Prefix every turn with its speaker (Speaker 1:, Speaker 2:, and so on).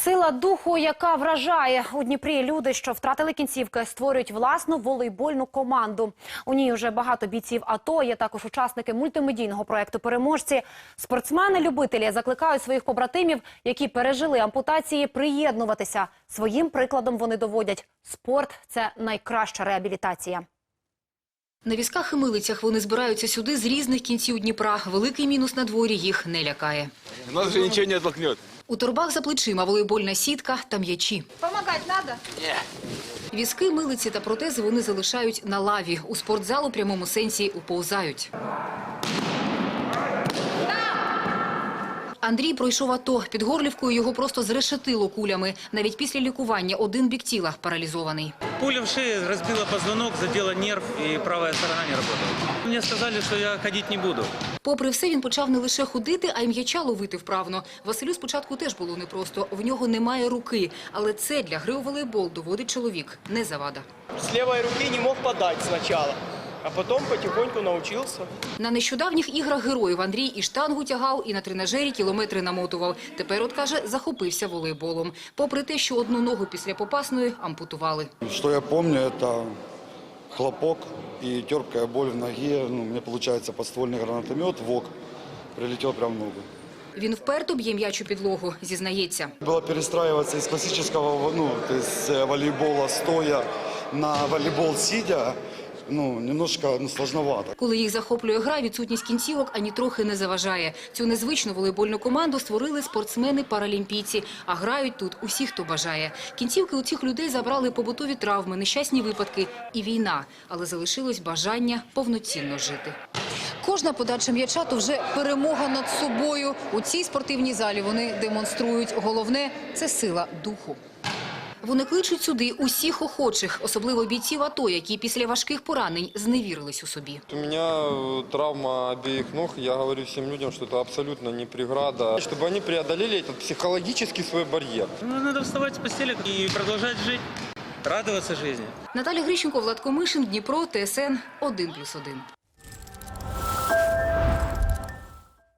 Speaker 1: Сила духу, яка вражає. У Дніпрі люди, що втратили кінцівки, створюють власну волейбольну команду. У ній вже багато бійців АТО, є також учасники мультимедійного проєкту «Переможці». Спортсмени-любителі закликають своїх побратимів, які пережили ампутації, приєднуватися. Своїм прикладом вони доводять – спорт – це найкраща реабілітація.
Speaker 2: На візках і милицях вони збираються сюди з різних кінців Дніпра. Великий мінус на дворі їх не лякає.
Speaker 3: Нас же нічого не відтолкне.
Speaker 2: У торбах за плечима волейбольна сітка та м'ячі.
Speaker 4: Помогать надо?
Speaker 3: Ні.
Speaker 2: Візки, милиці та протези вони залишають на лаві. У спортзал у прямому сенсі уповзають. Андрій пройшов АТО. Під Горлівкою його просто зрешетило кулями. Навіть після лікування один бік тіла паралізований.
Speaker 5: Пуля в шее разбила позвонок, задела нерв, и правая сторона не работает. Мне сказали, что я ходить не буду.
Speaker 2: Попри все, він почав не лише ходити, а й м'яча ловити вправно. Василю спочатку теж було непросто. В нього немає руки. Але це для гри у волейбол, доводить чоловік, не завада.
Speaker 6: С левой руки не мог подать сначала, а потом потихоньку научился.
Speaker 2: На нещодавніх іграх героїв Андрій і штангу тягав, і на тренажері кілометри намотував. Тепер, от каже, захопився волейболом. Попри те, що одну ногу після попасної ампутували.
Speaker 7: Что я помню, это хлопок и терпкая боль в ноге. У меня получается подствольный гранатомет, ВОК, прилетел прямо в ногу.
Speaker 2: Він вперто б'є м'яч у підлогу, зізнається.
Speaker 7: Было перестраиваться из классического, то есть волейбола стоя на волейбол сидя, немножко сложновато.
Speaker 2: Коли їх захоплює гра, відсутність кінцівок ані трохи не заважає. Цю незвичну волейбольну команду створили спортсмени-паралімпійці. А грають тут усі, хто бажає. Кінцівки у цих людей забрали побутові травми, нещасні випадки і війна. Але залишилось бажання повноцінно жити. Кожна подача м'яча – то вже перемога над собою. У цій спортивній залі вони демонструють. Головне – це сила духу. Вони кличуть сюди усіх охочих, особливо бійців АТО, які після важких поранень зневірились у собі.
Speaker 8: У меня травма обеих ног. Я говорю всем людям, что это абсолютно не преграда. Чтобы они преодолели этот психологический свой барьер.
Speaker 5: Надо вставать с постели и продолжать жить, радоваться жизни.
Speaker 2: Наталя Грищенко, Влад Комишин, Дніпро, ТСН 1+1.